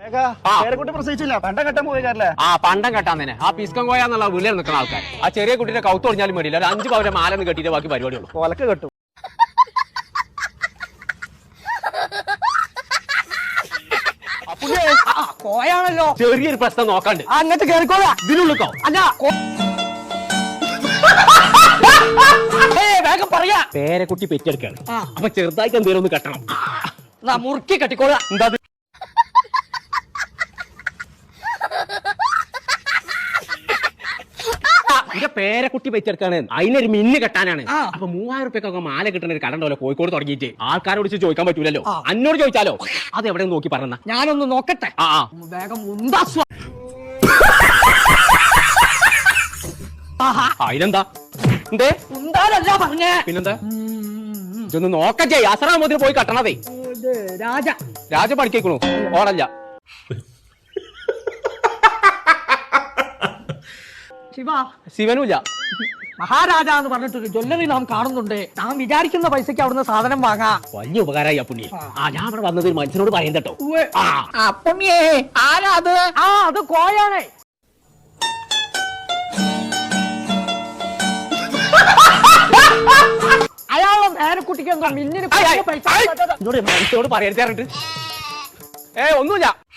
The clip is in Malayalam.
പ്രസവിച്ചില്ല പണ്ടം കെട്ടാൻ പോയല്ലേ? പണ്ടം കെട്ടാൻ തന്നെ ആ പിസ്കം കോയ എന്നുള്ള വീട്ടിൽ നിൽക്കുന്ന ആൾക്കാർ ആ ചെറിയ കുട്ടിയുടെ കൗത്ത് ഒടിഞ്ഞാലും വേണ്ടിയില്ല ഒരു 5 പവന്റെ മാലെന്ന് കെട്ടിയിട്ട് ബാക്കി പരിപാടിയുള്ളൂ. കൊലക്ക് കെട്ടും. കോയാണല്ലോ. ചെറിയൊരു പ്രശ്നം നോക്കാണ്ട് അങ്ങോട്ട് കേറിക്കോളാ. ഇതിനുള്ളിക്കോ അല്ല വേഗം പറയാ. പേരക്കുട്ടി പെറ്റെടുക്കാണ്. അപ്പൊ ചെറുതായിട്ട് എന്തെങ്കിലും ഒന്ന് കെട്ടണം. മുറുക്കി കെട്ടിക്കോളാ. എന്താ എന്റെ പേരക്കുട്ടി പെറ്റെടുക്കാണ്. അതിനൊരു മിന്ന് കെട്ടാനാണ്. അപ്പൊ 3000 റുപ്യൊക്കെ മാല കിട്ടുന്ന ഒരു കടണ്ടല്ലോ കോഴിക്കോട് തുടങ്ങിയിട്ട്. ആൾക്കാരോട് ചോദിക്കാൻ പറ്റൂലല്ലോ. അന്നോട് ചോദിച്ചാലോ? അത് എവിടെ നോക്കി പറഞ്ഞ ഞാനൊന്ന് നോക്കട്ടെ. വേഗം അതിനെന്താ എന്തേ ഉണ്ടാലല്ല പറഞ്ഞേ. പിന്നെന്താ ഇതൊന്ന് നോക്കേ. അസറാമോദിന് പോയി കട്ടണതേ. രാജ പഠിക്കണു ഓടല്ല. ശിവനുമില്ല. മഹാരാജ എന്ന് പറഞ്ഞിട്ടൊരു ജ്വല്ലറി നാം കാണുന്നുണ്ട്. നാം വിചാരിക്കുന്ന പൈസക്ക് അവിടുന്ന് സാധനം വാങ്ങാം. വലിയ ഉപകാരമായി ആ പുണ്യ. ഞാൻ അവിടെ വന്നത് ഒരു മനുഷ്യനോട് പറയാൻ കേട്ടോ. പുണ്യേ ആരാ അത്? അത് കോയാണേ. അയാളെ നേരക്കുട്ടിക്ക് എന്താ മിന്നിന് പൈസ മനുഷ്യനോട് പറയരുത്. ഒന്നുമില്ല.